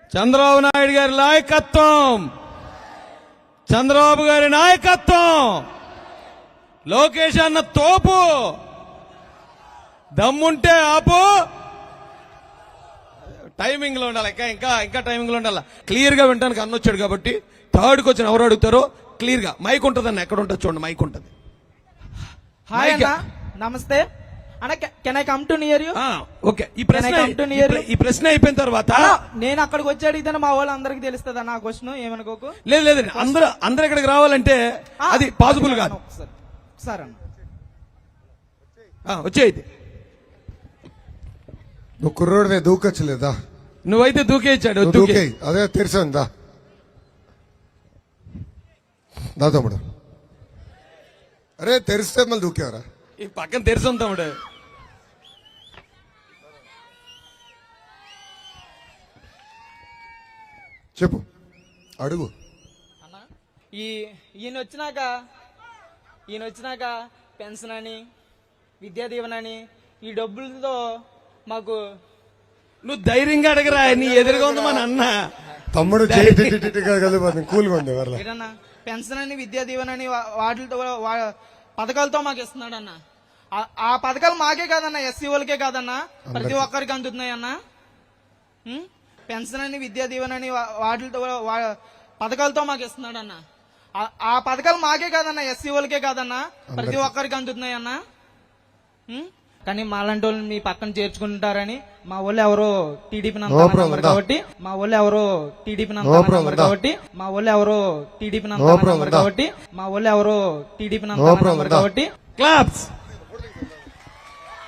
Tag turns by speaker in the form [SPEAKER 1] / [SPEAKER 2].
[SPEAKER 1] చంద్రబాబు నాయుడు గారి నాయకత్వం, చంద్రబాబు గారి నాయకత్వం, లోకేష్ అన్న తోపు, దమ్ముంటే ఆపు. టైమింగ్ లో ఉండాలి, ఇంకా టైమింగ్ లో ఉండాలి. క్లియర్ గా వింటానికి అన్న వచ్చాడు కాబట్టి థర్డ్కి వచ్చిన ఎవరు అడుగుతారో క్లియర్ గా మైక్ ఉంటుంది అన్న, ఎక్కడ ఉంటుంది చూడండి, మైక్ ఉంటుంది.
[SPEAKER 2] హాయ్ అన్న, నమస్తే అన్న. Can I come to near you?
[SPEAKER 1] Okay, ఈ ప్రశ్న అయిపోయిన తర్వాత
[SPEAKER 2] నేను అక్కడికి వచ్చి అడిగితే మా వాళ్ళు అందరికి తెలుస్తుంది అన్న. క్వశ్చన్ ఏమనుకోకు.
[SPEAKER 1] లేదు అందరూ ఇక్కడికి రావాలంటే అది పాసిబుల్ కాదు.
[SPEAKER 2] సరే అన్న,
[SPEAKER 1] వచ్చేది.
[SPEAKER 3] నువ్వు కుర్రోడివే, దూకొచ్చలేదా?
[SPEAKER 1] నువ్వైతే దూకేచ్చాడు.
[SPEAKER 3] అదే తెరిసందా దా తమ్ముడు. అరే తెరిస్తే మళ్ళీ దూకేవరా?
[SPEAKER 1] ఈ పక్కన తెరిసాం తమ్ముడు.
[SPEAKER 3] చెప్పు, అడుగు.
[SPEAKER 2] అన్న ఈయన వచ్చినాక పెన్షన్ అని, విద్యా దీవెన అని, ఈ డబ్బులతో మాకు
[SPEAKER 1] నువ్వు ధైర్యంగా అడగరా, నీ ఎదురుగా ఉంది మన అన్న.
[SPEAKER 3] తమ్ముడు కూల్గా ఉంది.
[SPEAKER 2] ఏదన్నా పెన్షన్ అని, విద్యా దీవెన అని వాటితో పథకాలతో మాకు ఇస్తున్నాడు అన్న. ఆ పథకాలు మాకే కాదన్నా, ఎస్సీ వాళ్ళకే కాదన్నా, ప్రతి ఒక్కరికి అందుతున్నాయి అన్న. పెన్షన్ అని, విద్యా దీవెన అని వాటితో పథకాలతో మాకు ఇస్తున్నాడు అన్న. ఆ పథకాలు మాకే కాదన్నా, ఎస్సీ వాళ్ళకే కాదన్నా, ప్రతి ఒక్కరికి అందుతున్నాయి అన్న. కానీ మాలాంటి వాళ్ళు మీ పక్కన చేర్చుకుంటారని మా వాళ్ళు ఎవరో టీడీపీ నంబర్ కాబట్టి మా వాళ్ళు ఎవరో టీడీపీ నంబర్ కాబట్టి మా వాళ్ళు ఎవరో టీడీపీ నంబర్ కాబట్టి మా వాళ్ళు ఎవరో టీడీపీ నంబర్ కాబట్టి
[SPEAKER 1] క్లాప్స్.